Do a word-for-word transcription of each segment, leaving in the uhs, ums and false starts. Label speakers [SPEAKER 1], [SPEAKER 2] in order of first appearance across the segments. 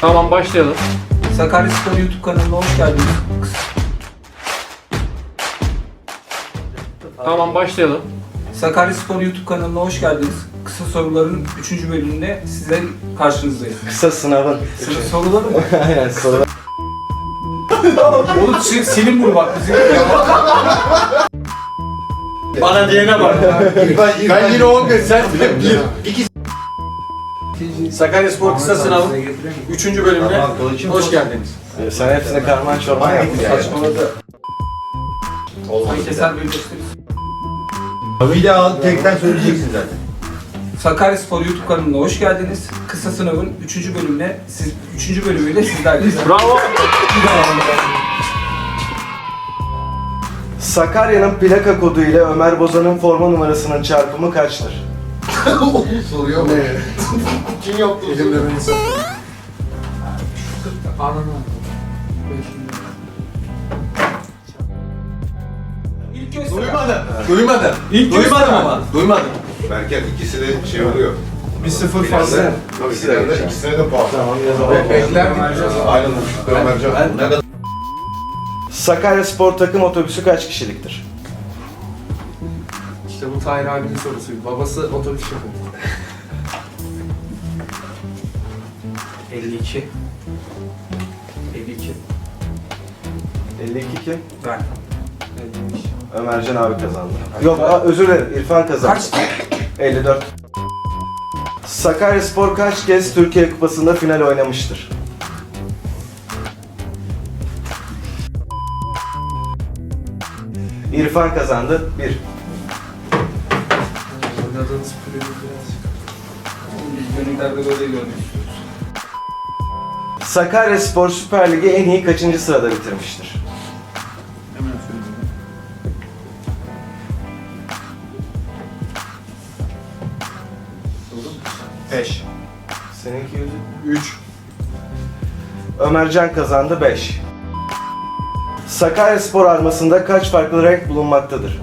[SPEAKER 1] Tamam, başlayalım.
[SPEAKER 2] Sakaryaspor YouTube kanalına hoş geldiniz.
[SPEAKER 1] Tamam, başlayalım.
[SPEAKER 2] Sakaryaspor YouTube kanalına hoş geldiniz. Kısa soruların üçüncü bölümünde size karşınızdayız.
[SPEAKER 3] Kısa sınavın.
[SPEAKER 2] Kısa soruları mı?
[SPEAKER 3] Aynen sorular.
[SPEAKER 2] Oğlum şey, Selim bunu bak bizim.
[SPEAKER 1] Bana diyene bak.
[SPEAKER 4] Ben yine on gün, sen bir.
[SPEAKER 1] Sakaryaspor kısa sınavın üçüncü bölümüne hoş geldiniz.
[SPEAKER 3] Sen hepsine karman çorman yaptın yani.
[SPEAKER 2] Saçmaladı. Keser böyle gösteririz.
[SPEAKER 4] Bir daha tekten söyleyeceksin zaten.
[SPEAKER 2] Sakaryaspor YouTube kanalına hoş geldiniz. Kısa sınavın üçüncü bölümüne, siz üçüncü bölümüyle sizlerleyiz.
[SPEAKER 1] Bravo.
[SPEAKER 3] Sakarya'nın plaka kodu ile Ömer Bozan'ın forma numarasının çarpımı kaçtır?
[SPEAKER 4] Soruyor mu? Kim yaptı? Elimle beni satıyor.
[SPEAKER 2] İlk göster.
[SPEAKER 4] Duymadım. Duymadım.
[SPEAKER 2] İlk
[SPEAKER 4] Duymadım
[SPEAKER 2] göster
[SPEAKER 4] ama. Duymadım.
[SPEAKER 5] Berker ikisi de şey oluyor.
[SPEAKER 4] Bir sıfır
[SPEAKER 3] fazla.
[SPEAKER 4] fazla.
[SPEAKER 5] Tabii finalde ikisine de puan.
[SPEAKER 3] Tamam yazalım.
[SPEAKER 4] Bekler
[SPEAKER 5] Aynen Ömercan.
[SPEAKER 3] Sakaryaspor takım otobüsü kaç kişiliktir?
[SPEAKER 6] İşte bu Tahir abinin sorusuydu. Babası otobüs şoförü.
[SPEAKER 2] elli iki. elli iki.
[SPEAKER 3] elli iki kim?
[SPEAKER 2] Ben.
[SPEAKER 3] Ömercan abi kazandı. Yok aa, özür dilerim, İrfan kazandı.
[SPEAKER 2] Kaçtı?
[SPEAKER 3] elli dört. Sakaryaspor kaç kez Türkiye Kupası'nda final oynamıştır? İrfan kazandı. bir.
[SPEAKER 6] Oynadığınız kulübü birazcık.
[SPEAKER 2] Biz gönüllerde böyle görmek istiyoruz.
[SPEAKER 3] Sakaryaspor Süper Lig'i en iyi kaçıncı sırada bitirmiştir?
[SPEAKER 6] Hemen söyleyeyim.
[SPEAKER 4] beş.
[SPEAKER 3] Seninki yüzü.
[SPEAKER 4] üç.
[SPEAKER 3] Ömercan kazandı beş. Sakaryaspor armasında kaç farklı renk bulunmaktadır?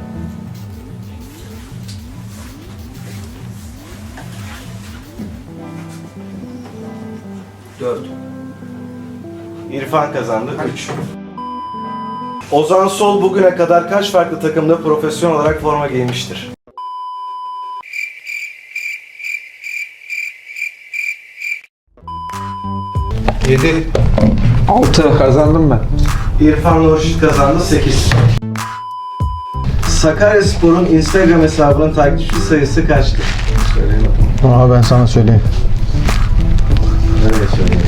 [SPEAKER 2] dört.
[SPEAKER 3] İrfan kazandı üç. Ozan Sol bugüne kadar kaç farklı takımda profesyonel olarak forma giymiştir?
[SPEAKER 4] yedi.
[SPEAKER 6] altı. Kazandım ben.
[SPEAKER 3] İrfan Nurşit kazandı sekiz. Sakaryaspor'un Instagram hesabının takipçi sayısı kaçtır? Söyleyeyim bakalım.
[SPEAKER 6] Aa ben sana söyleyeyim.
[SPEAKER 3] Nereye söyleyeyim?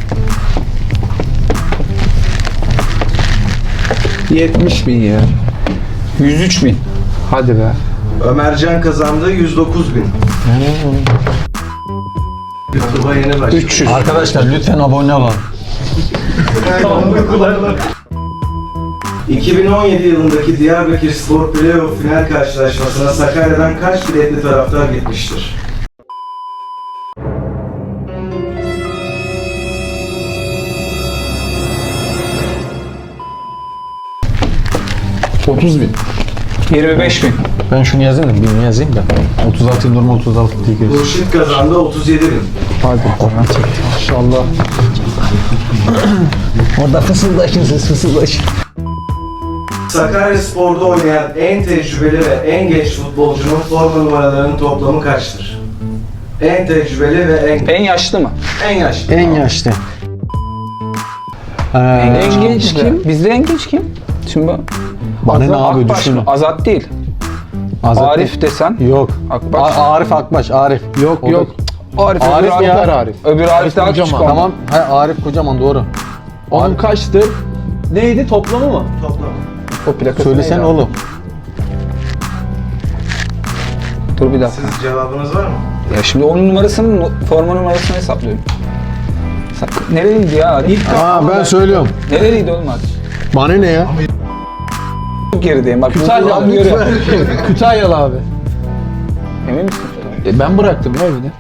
[SPEAKER 6] yetmiş bin ya. yüz üç bin. Hadi be.
[SPEAKER 3] Ömercan kazandı yüz dokuz bin. YouTube'a yeni başladı.
[SPEAKER 6] üç yüz.
[SPEAKER 7] Arkadaşlar lütfen abone olun.
[SPEAKER 3] iki bin on yedi yılındaki Diyarbakır Spor Playoff final karşılaşmasına Sakarya'dan kaç biletli taraftar gitmiştir?
[SPEAKER 7] otuz bin.
[SPEAKER 6] yirmi beş bin.
[SPEAKER 7] Ben şunu yazayım da birini yazayım da. otuz altı normal otuz altı diye görüyoruz.
[SPEAKER 3] Nurşit kazandı otuz yedi bin.
[SPEAKER 7] Hadi Kur'an çekti. İnşallah. Orada fısıldaşın siz fısıldaşın.
[SPEAKER 3] Sakaryaspor'da oynayan en tecrübeli ve en genç futbolcunun forma numaralarının toplamı kaçtır? En tecrübeli ve en
[SPEAKER 8] En yaşlı mı?
[SPEAKER 3] en yaşlı.
[SPEAKER 7] En yaşlı. Ee,
[SPEAKER 8] En genç kim? Bizde en genç kim? Şimdi bu-
[SPEAKER 7] Bana ne
[SPEAKER 8] Azat
[SPEAKER 7] abi
[SPEAKER 8] Akbaş
[SPEAKER 7] düşün.
[SPEAKER 8] mı? Azat değil.
[SPEAKER 7] Azat
[SPEAKER 8] Arif desen.
[SPEAKER 7] Yok.
[SPEAKER 8] Akbaş.
[SPEAKER 7] A- Arif Akbaş, Arif. Yok
[SPEAKER 8] O da-
[SPEAKER 7] yok.
[SPEAKER 8] Arif,
[SPEAKER 7] Arif
[SPEAKER 8] öbür
[SPEAKER 7] ya.
[SPEAKER 8] Arif.
[SPEAKER 7] Arif.
[SPEAKER 8] Öbür Arif daha küçük ondan.
[SPEAKER 7] Tamam. Ha, Arif kocaman doğru.
[SPEAKER 9] Onun kaçtır? Neydi toplamı mı?
[SPEAKER 3] Toplam.
[SPEAKER 8] O plakası
[SPEAKER 7] Söylesen
[SPEAKER 8] neydi?
[SPEAKER 7] oğlum.
[SPEAKER 8] Dur bir dakika.
[SPEAKER 3] Siz cevabınız var mı?
[SPEAKER 8] Ya şimdi onun numarasının, forma numarasını hesaplıyorum. Sak- Nereliydi ya Arif?
[SPEAKER 7] Aa ben söylüyorum.
[SPEAKER 8] Nereliydi oğlum Arif?
[SPEAKER 7] Bana ne ya?
[SPEAKER 8] Çok gerideyim bak.
[SPEAKER 9] Kütahyalı.
[SPEAKER 8] bunu görüyorum.
[SPEAKER 9] Kütahyalı abi.
[SPEAKER 8] Emin misin?
[SPEAKER 9] E ben bıraktım ya evine.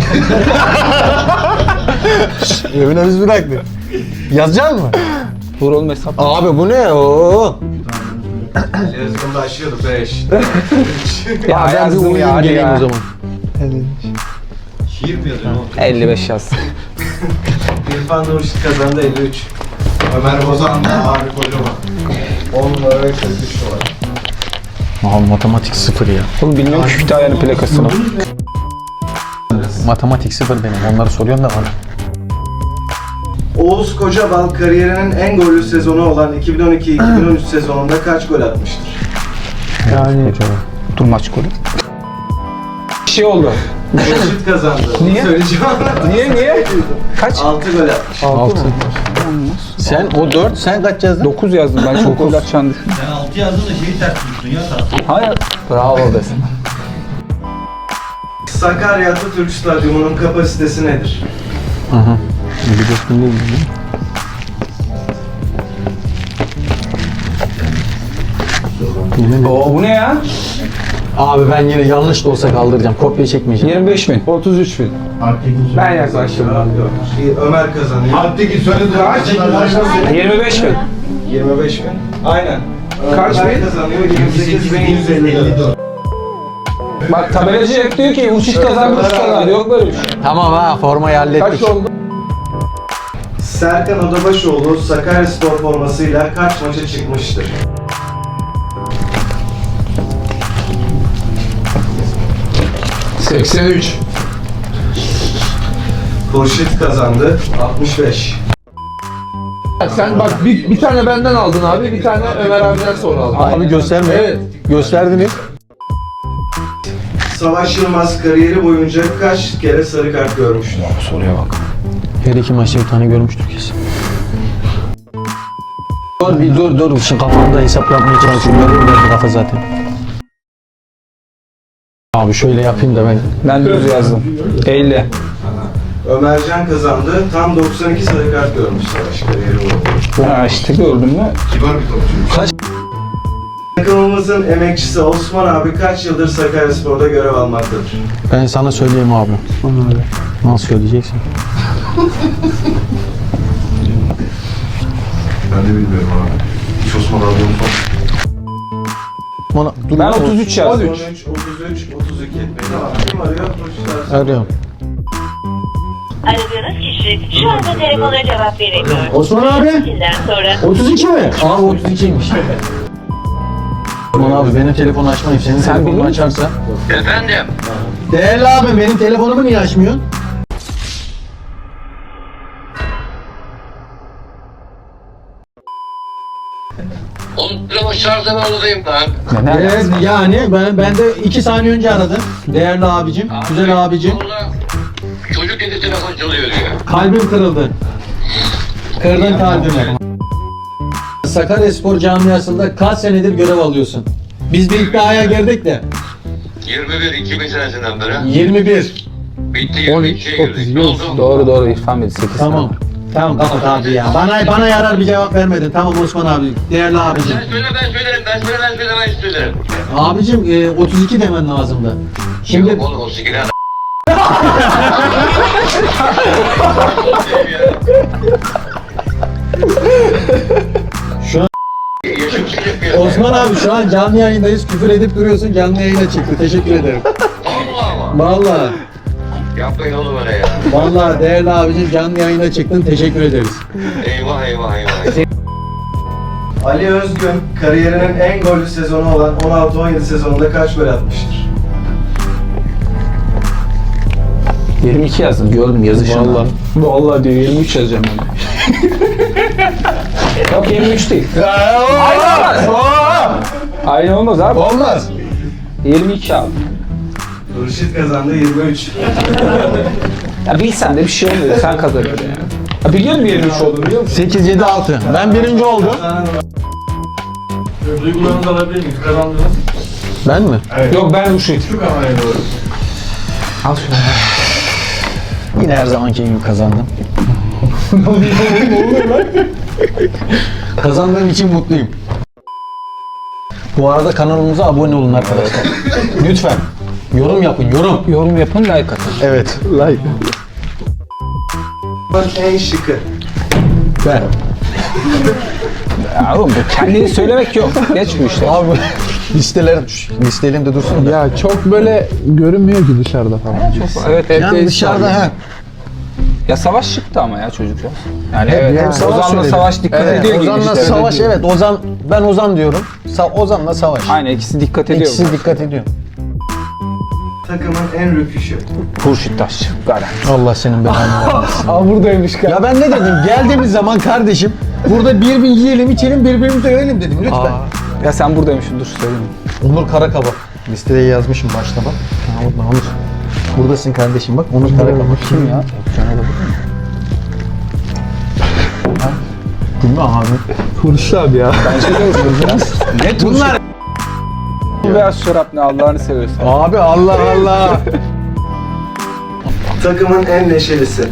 [SPEAKER 7] Evine biz bıraktık. Yazacak mı?
[SPEAKER 8] Dur oğlum hesap.
[SPEAKER 7] Abi bu ne? Oo.
[SPEAKER 3] Yazgın başlıyordu beş.
[SPEAKER 8] Ya
[SPEAKER 7] ben bir
[SPEAKER 8] yazdım
[SPEAKER 7] uyuyayım
[SPEAKER 8] ya hadi
[SPEAKER 7] geleyim
[SPEAKER 8] ya.
[SPEAKER 7] o zaman.
[SPEAKER 3] Şiir mi yazıyorsun?
[SPEAKER 8] elli beş yaz.
[SPEAKER 3] İrfan Nurşit kazandı elli üç.
[SPEAKER 5] Ömer Bozan da Arif Kocaman.
[SPEAKER 3] on numara ve kırk üç numara.
[SPEAKER 7] Aha matematik sıfır ya.
[SPEAKER 8] Oğlum bilmiyorum ki Kütahya'nın plakasını.
[SPEAKER 7] Matematik sıfır benim. Onları soruyorsun da bana.
[SPEAKER 3] Oğuz Kocabal kariyerinin en gollü sezonu olan iki bin on iki iki bin on üç sezonunda kaç gol atmıştır?
[SPEAKER 8] Yani dur maç golü. Bir şey oldu.
[SPEAKER 3] Nurşit kazandı.
[SPEAKER 8] Niye?
[SPEAKER 3] Söyleyeceğim.
[SPEAKER 8] Niye niye? Kaç?
[SPEAKER 3] altı gol atmış.
[SPEAKER 7] altı. Sen o dört, sen kaç yazdın?
[SPEAKER 8] dokuz yazdım ben çok gol atacağını düşündüm.
[SPEAKER 1] Sen altı yazdın da şeyi ters tuttun ya tatlım.
[SPEAKER 8] Hayır. Bravo desin.
[SPEAKER 3] Sakarya Atatürk Stadyumu'nun kapasitesi nedir?
[SPEAKER 7] Aha. Biliyorsun değil mi?
[SPEAKER 8] Oo, bu ne ya?
[SPEAKER 7] Abi ben yine yanlış da olsa kaldıracağım. Kopya çekmeyeceğim.
[SPEAKER 8] yirmi beş bin.
[SPEAKER 9] otuz üç bin. Ben yaklaştım.
[SPEAKER 3] Ömer kazanıyor.
[SPEAKER 5] Alttaki söyledi. Kaç?
[SPEAKER 8] yirmi beş bin.
[SPEAKER 3] yirmi beş bin. Aynen.
[SPEAKER 9] Kaç
[SPEAKER 3] Ömer
[SPEAKER 9] bin?
[SPEAKER 3] kazanıyor. yirmi sekiz bin yüz elli dört.
[SPEAKER 8] Bak tabelacı hep diyor ki uçuş kazandı, uçuş kazandı. Yok böyle bir şey.
[SPEAKER 7] Tamam ha, formayı hallettik.
[SPEAKER 9] Kaç oldu?
[SPEAKER 3] Serkan Odabaşoğlu Sakaryaspor formasıyla kaç maça çıkmıştır?
[SPEAKER 9] seksen üç.
[SPEAKER 3] Hurşit kazandı. altmış beş.
[SPEAKER 9] Sen bak bir, bir tane benden aldın abi, bir tane Ömer abiden sonra aldın.
[SPEAKER 7] Abi gösterme.
[SPEAKER 9] Evet.
[SPEAKER 7] Gösterdiniz.
[SPEAKER 3] Savaş Yılmaz kariyeri boyunca kaç kere sarı kart görmüştür?
[SPEAKER 7] Soruya bak. Her iki maçta bir tane görmüştür kesin. Dur bir dur dur. Şimdi kafamda hesap yapmaya çalışıyorum. Benim bu kafa zaten. Abi şöyle yapayım da ben.
[SPEAKER 8] Ben düz yazdım. elli.
[SPEAKER 3] Ömercan kazandı. Tam doksan iki sarı kart görmüş Savaş kariyeri boyunca.
[SPEAKER 8] Ha işte gördün mü?
[SPEAKER 5] Kibar bir topçu.
[SPEAKER 3] Takımımızın emekçisi Osman abi kaç yıldır Sakaryaspor'da görev almaktadır?
[SPEAKER 7] Ben sana söyleyeyim abi. Nasıl söyleyeceksin?
[SPEAKER 5] Ben de bilmiyorum abi. Hiç Osman abi unutmam.
[SPEAKER 7] Bana, dur,
[SPEAKER 8] Ben otuz üç yazdım.
[SPEAKER 3] otuz üç, otuz üç, otuz iki. Tamam. Kim arıyor? Koçlar.
[SPEAKER 7] Arıyorum.
[SPEAKER 10] Aradığınız kişi şu anda telefona cevap veremiyor.
[SPEAKER 7] Osman abi.
[SPEAKER 10] Sizden sonra
[SPEAKER 7] otuz iki mi? Abi otuz ikiymiş. Osman abi benim telefonu açmayayım. Senin
[SPEAKER 8] Sen
[SPEAKER 7] telefonunu
[SPEAKER 8] biliyor musun?
[SPEAKER 7] açarsa.
[SPEAKER 1] Efendim?
[SPEAKER 7] Değerli abi benim telefonumu niye açmıyorsun?
[SPEAKER 1] Onu şarjdan odadayım lan.
[SPEAKER 7] Evet yani ben, ben de iki saniye önce aradım. Değerli abicim, güzel abicim.
[SPEAKER 1] Çocuk dedi telefon çalıyor diyor.
[SPEAKER 7] Kalbim kırıldı. Kırdın kalbimi. Sakaryaspor camiasında kaç senedir görev alıyorsun? Biz bir iddiaya girdik de.
[SPEAKER 1] yirmi bir iki bin senesinden beri.
[SPEAKER 7] yirmi bir.
[SPEAKER 1] Bitti yirmi ikiye girdik. Ne oldu?
[SPEAKER 8] Doğru doğru İrfan Bey sekiz.
[SPEAKER 7] Tamam. Tamam kapat abi ya. Bana bana yarar bir cevap vermedin. Tamam Osman abi. Değerli abicim.
[SPEAKER 1] Sen söyle ben söylerim. Ben söyle ben söyle ben söylerim.
[SPEAKER 7] Abicim e, otuz iki demen lazımdı. Şimdi
[SPEAKER 1] Yok oğlum o sigara.
[SPEAKER 7] şu an
[SPEAKER 1] Yaşım silip bir.
[SPEAKER 7] Osman abi şu an canlı yayındayız. Küfür edip duruyorsun. Canlı yayına çıktı. Teşekkür ederim.
[SPEAKER 1] Allah ama.
[SPEAKER 7] Vallahi.
[SPEAKER 1] Yapmayın oğlum öyle ya.
[SPEAKER 7] Vallahi değerli abicim canlı yayına çıktın. Teşekkür ederiz.
[SPEAKER 1] Eyvah eyvah eyvah.
[SPEAKER 3] Ali Özgün kariyerinin en gollü sezonu olan on altı on yedi sezonunda kaç gol atmıştır?
[SPEAKER 8] yirmi iki yazdım. Gördüm yazışını. Vallahi. Vallahi diyor yirmi üç yazacağım ben. Yok yirmi üç değil. Aynı olmaz. Aynı olmaz abi.
[SPEAKER 9] Olmaz.
[SPEAKER 8] yirmi iki abi.
[SPEAKER 3] Hurşit kazandı yirmi üç.
[SPEAKER 8] Ya bilsen de bir şey olmuyor. Sen kazanıyorsun yani. Ya biliyor musun yirmi üç olduğunu biliyor musun?
[SPEAKER 7] sekiz yedi altı. Ben birinci oldum.
[SPEAKER 1] Duygularınızı alabilir miyiz? Kazandınız.
[SPEAKER 7] Ben mi?
[SPEAKER 8] Yok ben Ruşit.
[SPEAKER 5] Şu kameraya doğru.
[SPEAKER 8] Al şunu.
[SPEAKER 7] Yine her zamanki gibi kazandım. Kazandığım için mutluyum. Bu arada kanalımıza abone olun arkadaşlar. Lütfen. Yorum yapın, yorum.
[SPEAKER 8] Yorum yapın, like atın.
[SPEAKER 7] Evet. Like.
[SPEAKER 3] En şıkı.
[SPEAKER 7] Ben.
[SPEAKER 8] Ya oğlum bu kendini söylemek yok. Geç bu işte.
[SPEAKER 7] Abi listeler listelerimde dursun da.
[SPEAKER 9] Ya çok böyle görünmüyor ki dışarıda falan.
[SPEAKER 8] Evet,
[SPEAKER 7] Yani dışarıda ha.
[SPEAKER 8] Ya Savaş çıktı ama ya çocuklar. Yani
[SPEAKER 7] Hep
[SPEAKER 8] evet,
[SPEAKER 7] hem Savaş
[SPEAKER 8] Ozan'la
[SPEAKER 7] söyledi.
[SPEAKER 8] Savaş dikkat
[SPEAKER 7] Evet,
[SPEAKER 8] ediyor gibi
[SPEAKER 7] Ozan'la
[SPEAKER 8] işte.
[SPEAKER 7] Savaş, evet. Ozan, ben Ozan diyorum. Sa Ozan'la Savaş.
[SPEAKER 8] Aynen, ikisi dikkat ediyor.
[SPEAKER 7] İkisi dikkat ediyor.
[SPEAKER 3] Takımın en rüküşü.
[SPEAKER 8] Hurşit Taşçı. Garanti.
[SPEAKER 7] Allah senin belanı vermesin.
[SPEAKER 8] Aa buradaymış galiba.
[SPEAKER 7] Ya ben ne dedim? Geldiğimiz zaman kardeşim burada bir bin yiyelim, içelim, birbirimizi övelim dedim lütfen.
[SPEAKER 8] Ya sen buradaymışsın, dur söyleyeyim.
[SPEAKER 7] Onur Karakabak. Listede yazmışım başta bak. Ha, Onur. Buradasın kardeşim bak. Onur Karakabak. Kim ya? Değil mi abi?
[SPEAKER 9] Hurşit abi ya.
[SPEAKER 8] Bence de biraz. Ne bunlar? Beyaz çorap ne, Allah'ını seviyorsun.
[SPEAKER 7] Abi Allah Allah.
[SPEAKER 3] Takımın en neşelisi.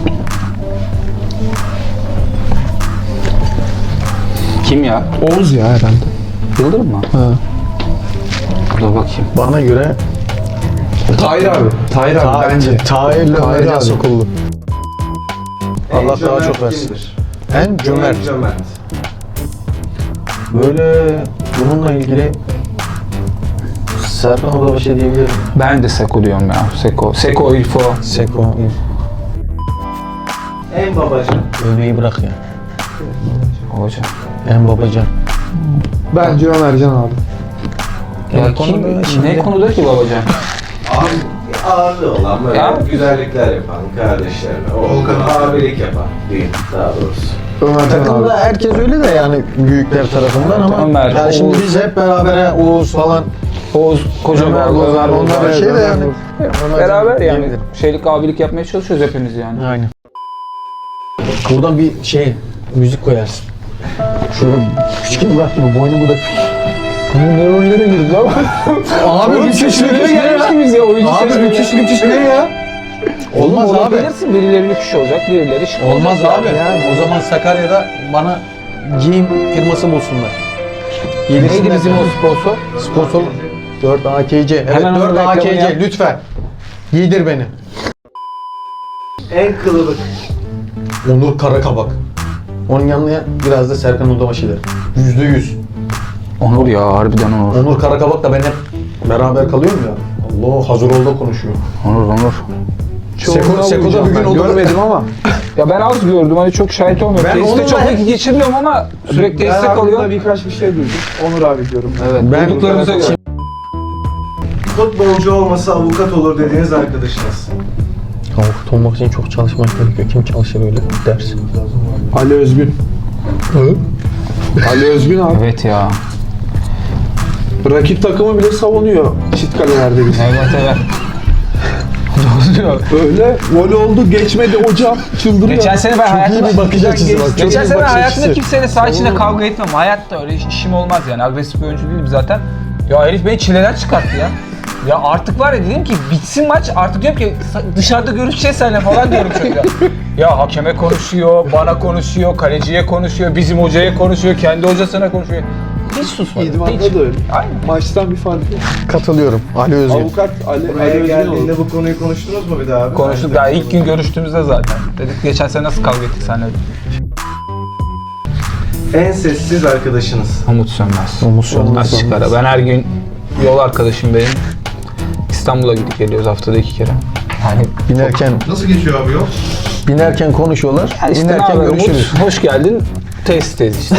[SPEAKER 8] Kim ya?
[SPEAKER 9] Oğuz ya herhalde.
[SPEAKER 8] Yıldırım mı?
[SPEAKER 9] Ha.
[SPEAKER 8] Dur bakayım.
[SPEAKER 7] Bana göre
[SPEAKER 9] Tahir abi. Tahir abi bence.
[SPEAKER 7] Tahir'le
[SPEAKER 9] Tahir
[SPEAKER 7] Ömercan
[SPEAKER 9] abi.
[SPEAKER 7] Sokullu.
[SPEAKER 3] En
[SPEAKER 7] Allah daha
[SPEAKER 3] cömert
[SPEAKER 7] çok versin.
[SPEAKER 3] kimdir?
[SPEAKER 7] En cömert.
[SPEAKER 3] En cömert.
[SPEAKER 7] Böyle bununla ilgili Serkan Oda bir şey diyebilirim.
[SPEAKER 8] Ben de Seko diyorum ya. Seko. Seko, İlfo.
[SPEAKER 7] Seko.
[SPEAKER 3] En babacan.
[SPEAKER 7] Övmeyi bırak ya.
[SPEAKER 8] Hoca.
[SPEAKER 7] En babacan.
[SPEAKER 9] Bence Ömercan abi.
[SPEAKER 8] Ya
[SPEAKER 7] Ya
[SPEAKER 8] kim,
[SPEAKER 7] konuda şimdi-
[SPEAKER 8] ne konuda ki babacan?
[SPEAKER 3] Abi ağırlığı olan böyle
[SPEAKER 8] Ya.
[SPEAKER 3] güzellikler yapan kardeşlerine. O abilik yapan diyeyim daha doğrusu.
[SPEAKER 9] Ömercan abi.
[SPEAKER 7] Takımda herkes öyle de yani büyükler tarafından ama
[SPEAKER 8] Ömer,
[SPEAKER 7] yani şimdi
[SPEAKER 8] Oğuz.
[SPEAKER 7] biz hep beraber he, Oğuz falan
[SPEAKER 8] Oğuz, kocaman,
[SPEAKER 7] Ömer,
[SPEAKER 8] Ömer,
[SPEAKER 7] Ömer, onlar
[SPEAKER 8] Ömer.
[SPEAKER 7] bir şey de yani.
[SPEAKER 8] Beraber yani
[SPEAKER 7] diyebilirim.
[SPEAKER 8] şeylik, abilik yapmaya çalışıyoruz hepimiz yani.
[SPEAKER 7] Aynen. Buradan bir şey müzik koyarsın. Şöyle küçük bırak gibi boynumu da.
[SPEAKER 8] Ne rollere girdi lan?
[SPEAKER 7] Abi müthiş
[SPEAKER 8] Nereye gelmiş gibiyiz ya oyuncu
[SPEAKER 7] Abi
[SPEAKER 8] seçimi
[SPEAKER 7] müthiş
[SPEAKER 8] ya.
[SPEAKER 7] müthiş ne ya? Olmaz
[SPEAKER 8] Oğlum,
[SPEAKER 7] abi.
[SPEAKER 8] olabilirsin, birileri lüküş olacak, birileri şık
[SPEAKER 7] Olmaz
[SPEAKER 8] olacak
[SPEAKER 7] abi. O zaman Sakarya'da bana giyim firması bulsunlar.
[SPEAKER 8] Neydi bizim o sponsor?
[SPEAKER 7] Sponsor dört A K C. Evet
[SPEAKER 8] Hemen onun
[SPEAKER 7] dört A K
[SPEAKER 8] reklamını yap.
[SPEAKER 7] C lütfen. Giydir beni.
[SPEAKER 3] En kılıbık.
[SPEAKER 7] Onur Karakabak. Onun yanına biraz da Serkan Uldabaşı der. Yüzde yüz.
[SPEAKER 8] Onur ya, harbiden Onur.
[SPEAKER 7] Onur Karakabak da ben hep beraber kalıyorum ya. Allah hazır ol da konuşuyor.
[SPEAKER 8] Onur, Onur.
[SPEAKER 7] Seko, Seko'da bir gün olur.
[SPEAKER 9] Görmedim ama.
[SPEAKER 8] Ya ben az gördüm, hani çok şahit olmuyorum.
[SPEAKER 7] Ben
[SPEAKER 8] Tesiste
[SPEAKER 7] onunla
[SPEAKER 8] çok
[SPEAKER 7] hep-
[SPEAKER 8] vakit geçirmiyorum ama sürekli
[SPEAKER 9] Ben
[SPEAKER 8] destek
[SPEAKER 9] hakkında
[SPEAKER 8] oluyor.
[SPEAKER 9] birkaç bir şey duydum. Onur abi diyorum.
[SPEAKER 8] Evet,
[SPEAKER 7] Ben-
[SPEAKER 8] bulduklarımıza göre.
[SPEAKER 3] Futbolcu olmasa avukat olur dediğiniz arkadaşınız.
[SPEAKER 7] Avukat olmak için çok çalışmak gerekiyor. Kim çalışır öyle ders?
[SPEAKER 9] Ali Özgün. Ali Özgün abi.
[SPEAKER 8] Evet ya.
[SPEAKER 9] Rakip takımı bile savunuyor çift kalelerde biz.
[SPEAKER 8] Evet evet.
[SPEAKER 9] Öyle gol oldu geçmedi hocam çıldırıyor.
[SPEAKER 8] Geçen sene ben hayatımda...
[SPEAKER 7] iyi bir bakış açısı bak, çok iyi
[SPEAKER 8] Geçen
[SPEAKER 7] bir
[SPEAKER 8] sene
[SPEAKER 7] bakış
[SPEAKER 8] hayatımda
[SPEAKER 7] açısı.
[SPEAKER 8] kimseyle saha içinde kavga etmem. Hayatta öyle iş- işim olmaz yani. Agresif bir oyuncu değilim zaten. Ya herif beni çileden çıkarttı ya. Ya artık var ya, dedim ki bitsin maç, artık diyorum ki sa- dışarıda görüşeceğiz seninle falan diyorum çocuğa. Ya hakeme konuşuyor, bana konuşuyor, kaleciye konuşuyor, bizim hocaya konuşuyor, kendi hocasına konuşuyor. Hiç susmadı.
[SPEAKER 9] İdman'da
[SPEAKER 8] hiç.
[SPEAKER 9] da öyle.
[SPEAKER 8] Aynen.
[SPEAKER 9] Maçtan bir fark yok.
[SPEAKER 7] Katılıyorum. Ali Özgün.
[SPEAKER 9] Avukat Ali, Ali
[SPEAKER 3] Buraya
[SPEAKER 9] Özgün
[SPEAKER 3] geldiğinde
[SPEAKER 9] oldu.
[SPEAKER 3] bu konuyu konuştunuz mu bir daha abi?
[SPEAKER 8] Konuştuk daha ilk gün görüştüğümüzde zaten. Dedik geçen sene nasıl kavga ettik seninle.
[SPEAKER 3] En sessiz arkadaşınız.
[SPEAKER 8] Umut Sönmez.
[SPEAKER 7] Umut Sönmez.
[SPEAKER 8] Nasıl çıkar? Ben her gün yol arkadaşım benim. İstanbul'a gidip geliyoruz haftada iki kere. Yani
[SPEAKER 7] Binerken
[SPEAKER 5] Nasıl geçiyor abi yol?
[SPEAKER 7] binerken konuşuyorlar.
[SPEAKER 8] ya işte ne
[SPEAKER 7] binerken
[SPEAKER 8] haber
[SPEAKER 7] görüşürüz.
[SPEAKER 8] Umut? Hoş geldin. Test tez işte.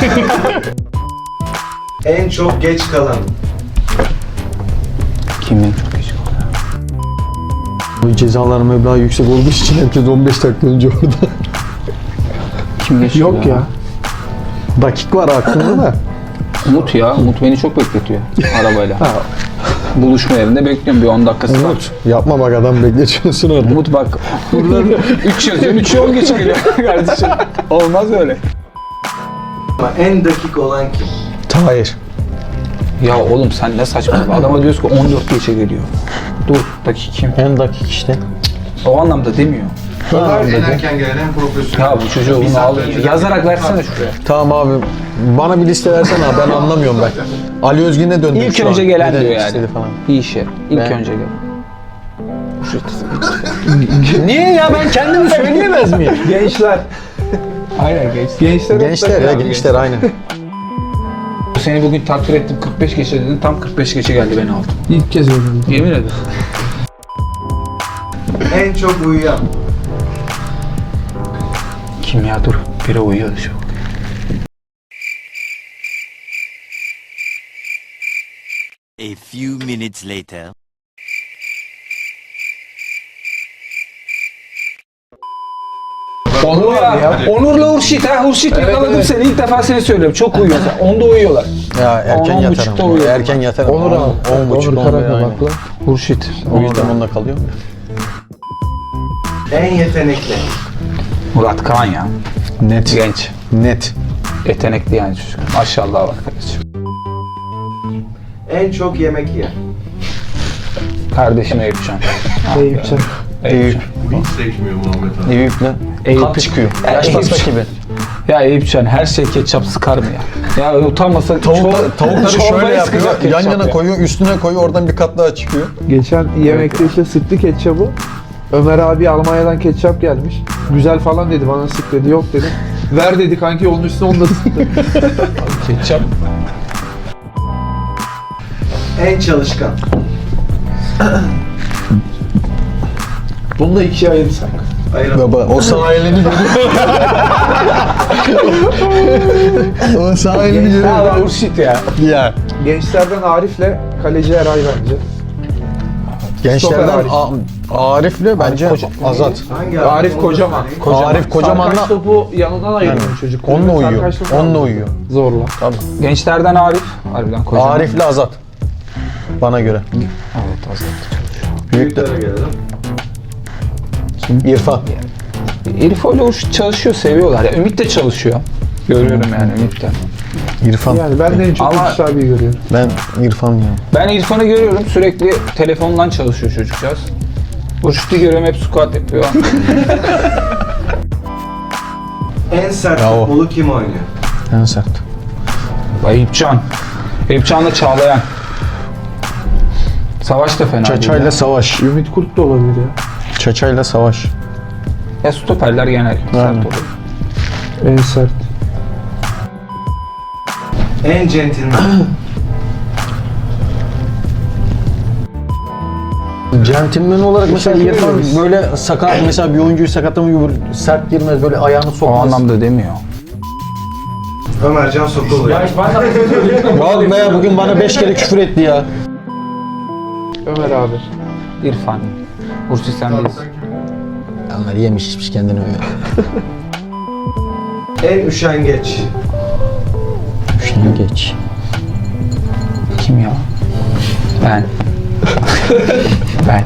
[SPEAKER 3] En çok geç kalan.
[SPEAKER 8] Kimin çok geç kaldı?
[SPEAKER 7] Bu cezalar meblağı yüksek olduğu için herkes on beş dakika önce orada.
[SPEAKER 8] Kim geç
[SPEAKER 9] Yok ya.
[SPEAKER 7] Dakik var aklımda da.
[SPEAKER 8] Umut ya. Umut beni çok bekletiyor arabayla. Buluşma yerinde bekliyorum bir on dakikası var.
[SPEAKER 7] Umut yapma bak adam bekletiyorsun orada.
[SPEAKER 8] Umut bak. Buradan üç yazıyorsun. üçü on geç geliyor kardeşim. Olmaz öyle.
[SPEAKER 3] Ama en dakik olan kim?
[SPEAKER 7] Tahir.
[SPEAKER 8] Ya oğlum sen ne saçma. Adama diyoruz ki on dört geçe geliyor. Dur dakika kim?
[SPEAKER 7] En dakik işte.
[SPEAKER 8] O anlamda demiyor.
[SPEAKER 5] En erken gelen en profesyonel.
[SPEAKER 8] Ya bu çocuğu
[SPEAKER 5] Bir
[SPEAKER 8] bunu
[SPEAKER 5] saat
[SPEAKER 8] al.
[SPEAKER 5] önceden
[SPEAKER 8] Yazarak
[SPEAKER 5] bekliyor.
[SPEAKER 8] versene şuraya.
[SPEAKER 7] Tamam abi. Bana bir liste versene abi. Ben anlamıyorum ben. Ali Özgün'e döndüm
[SPEAKER 8] İlk
[SPEAKER 7] şu
[SPEAKER 8] önce
[SPEAKER 7] an.
[SPEAKER 8] gelen
[SPEAKER 7] Ne
[SPEAKER 8] diyor
[SPEAKER 7] demek
[SPEAKER 8] yani.
[SPEAKER 7] istedi falan.
[SPEAKER 8] Bir işe. İlk
[SPEAKER 7] Ben-
[SPEAKER 8] önce gelen.
[SPEAKER 7] Niye ya ben kendimi söyleyemez miyim?
[SPEAKER 9] Gençler.
[SPEAKER 8] Aynen geç.
[SPEAKER 9] Gençler.
[SPEAKER 7] Gençler ya gençler aynen.
[SPEAKER 8] Seni bugün takdir ettim kırk beş geçe dedin. Tam kırk beş geçe geldi beni aldı.
[SPEAKER 9] İlk kez öğrendim.
[SPEAKER 8] Yemin ederim.
[SPEAKER 3] En çok uyuyan.
[SPEAKER 8] Kim ya dur. Biri uyuyor şu.
[SPEAKER 11] A few minutes later.
[SPEAKER 8] Onur ya. Onur'la Hurşit ha. Hurşit yakaladım seni. İlk defa seni söylüyorum. Çok uyuyorsun. Onda uyuyorlar.
[SPEAKER 7] Ya erken
[SPEAKER 8] On, on
[SPEAKER 7] yatarım.
[SPEAKER 8] buçukta uyuyor.
[SPEAKER 7] Erken yatarım.
[SPEAKER 9] Onur abi.
[SPEAKER 7] on buçuk
[SPEAKER 9] Onur
[SPEAKER 7] on
[SPEAKER 9] Karakabaklı.
[SPEAKER 8] Hurşit.
[SPEAKER 7] O yüzden onunla kalıyorum.
[SPEAKER 3] En yetenekli.
[SPEAKER 8] Murat Kaan ya.
[SPEAKER 7] Net.
[SPEAKER 8] Genç.
[SPEAKER 7] Net.
[SPEAKER 8] Yetenekli yani çocuk. Maşallah var kardeşim.
[SPEAKER 3] En çok yemek yiyen.
[SPEAKER 8] Kardeşim Eyüpcan.
[SPEAKER 9] Eyüpcan.
[SPEAKER 8] Eyüp.
[SPEAKER 5] Hiç sekmiyor Muhammed abi.
[SPEAKER 7] Eyüp'le
[SPEAKER 8] Eyüp.
[SPEAKER 7] kat çıkıyor.
[SPEAKER 8] Ya
[SPEAKER 7] Yaş
[SPEAKER 8] Eyüp.
[SPEAKER 7] pasta gibi.
[SPEAKER 8] Ya Eyüpcan her şey ketçap sıkar mı ya? Ya utanmasa
[SPEAKER 7] Tavuk, tavukları şöyle
[SPEAKER 8] çorbayı
[SPEAKER 7] yapıyor.
[SPEAKER 8] sıkacak
[SPEAKER 7] Yan
[SPEAKER 8] ketçap
[SPEAKER 7] yana
[SPEAKER 8] ya.
[SPEAKER 7] koyuyor, üstüne koyuyor, oradan bir kat daha çıkıyor.
[SPEAKER 9] Geçen yemekte işte sıktı ketçabı. Ömer abi Almanya'dan ketçap gelmiş. Güzel falan dedi, bana sık dedi. Yok dedim. Ver dedi kanki, onun üstüne onu da sıktı.
[SPEAKER 8] Ketçap.
[SPEAKER 3] En çalışkan.
[SPEAKER 9] Bunu da ikiye ayırırsak.
[SPEAKER 3] Ayıralım.
[SPEAKER 7] Baba o sahilini görüyor. O sahilini görüyor.
[SPEAKER 8] Ya Hurşit ya.
[SPEAKER 7] Ya.
[SPEAKER 9] Gençlerden Arif'le kaleci Eray bence.
[SPEAKER 7] Gençlerden
[SPEAKER 9] Arif.
[SPEAKER 7] A- Arif'le bence Azat.
[SPEAKER 3] Hangi
[SPEAKER 9] Arif
[SPEAKER 3] Onu da
[SPEAKER 9] Kocaman.
[SPEAKER 3] söyleyeyim.
[SPEAKER 7] Kocaman. Arif Kocaman'la
[SPEAKER 9] Sarkaç topu yanından ayırıyor
[SPEAKER 7] Yani,
[SPEAKER 9] çocuk.
[SPEAKER 7] onunla uyuyor.
[SPEAKER 9] Sarkaç topu
[SPEAKER 7] Onunla
[SPEAKER 9] aldı.
[SPEAKER 7] uyuyor.
[SPEAKER 9] Zorla.
[SPEAKER 7] Tabii.
[SPEAKER 8] Gençlerden Arif. Harbiden kocaman.
[SPEAKER 7] Arif'le Azat. Bana göre.
[SPEAKER 8] Evet Azat.
[SPEAKER 7] Büyük de
[SPEAKER 3] Büyüklere gelelim.
[SPEAKER 7] İrfan.
[SPEAKER 8] Elif öyle Hurşit çalışıyor, seviyorlar ya. Ümit de çalışıyor. Görüyorum yani Ümit'ten.
[SPEAKER 7] İrfan.
[SPEAKER 9] Yani ben de en çok
[SPEAKER 8] Ama-
[SPEAKER 9] Hurşit abiyi görüyorum.
[SPEAKER 7] Ben İrfan ya.
[SPEAKER 8] Ben İrfan'ı görüyorum, sürekli telefondan çalışıyor çocukcağız. Hurşit'i görüyorum, hep squat yapıyor.
[SPEAKER 3] En sert
[SPEAKER 7] Bravo.
[SPEAKER 3] futbolu kim oynuyor?
[SPEAKER 7] En sert.
[SPEAKER 8] Eyüpcan. Eyüpcan'la Çağlayan. Savaş da fena değil
[SPEAKER 7] Çaçayla
[SPEAKER 8] ya.
[SPEAKER 7] savaş.
[SPEAKER 9] Ümit Kurt da olabilir ya.
[SPEAKER 7] Çaçayla savaş.
[SPEAKER 8] Ya stoperler genel sert oluyor.
[SPEAKER 9] En sert.
[SPEAKER 3] En centilmen.
[SPEAKER 7] Centilmen olarak mesela İrfan böyle sakat, mesela bir oyuncuyu sakatlamayı böyle sert girmez, böyle ayağını
[SPEAKER 8] O
[SPEAKER 7] sokmaz.
[SPEAKER 8] anlamda demiyor.
[SPEAKER 3] Ömercan Sokulu.
[SPEAKER 7] Vallahi ya bugün bana beş kere küfür etti ya.
[SPEAKER 9] Ömer abi.
[SPEAKER 8] İrfan. Hurşit sen değilsin.
[SPEAKER 7] Onlar yemiş içmiş kendini öyle.
[SPEAKER 3] En üşengeç.
[SPEAKER 7] Şunu geç.
[SPEAKER 8] Kim ya? Ben. ben.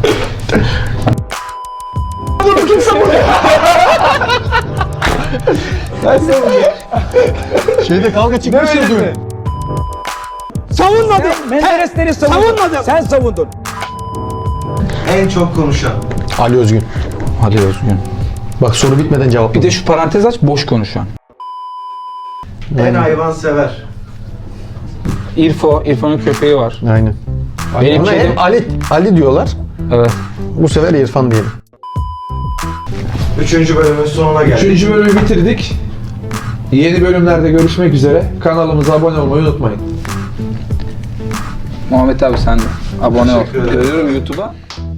[SPEAKER 7] Şeyde kavga çıkmış ya dün.
[SPEAKER 8] Savunmadım. Menderesleri savunmadım. Sen savundun.
[SPEAKER 3] En çok konuşan.
[SPEAKER 7] Ali Özgün.
[SPEAKER 8] Hadi Özgün.
[SPEAKER 7] Bak soru bitmeden cevap.
[SPEAKER 8] Bir de şu parantez aç, boş konuşan.
[SPEAKER 3] En hayvansever.
[SPEAKER 8] İrfo, İrfan'ın köpeği var.
[SPEAKER 7] Aynen.
[SPEAKER 8] Benim
[SPEAKER 7] Ona
[SPEAKER 8] kedim.
[SPEAKER 7] hep Ali, Ali diyorlar.
[SPEAKER 8] Evet.
[SPEAKER 7] Bu sefer İrfan diyelim.
[SPEAKER 3] Üçüncü bölümün sonuna geldik.
[SPEAKER 9] Üçüncü bölümü bitirdik. Yeni bölümlerde görüşmek üzere. Kanalımıza abone olmayı unutmayın.
[SPEAKER 8] Muhammed abi sen de abone ol.
[SPEAKER 3] Teşekkür ederim.
[SPEAKER 8] Görüyorum YouTube'a.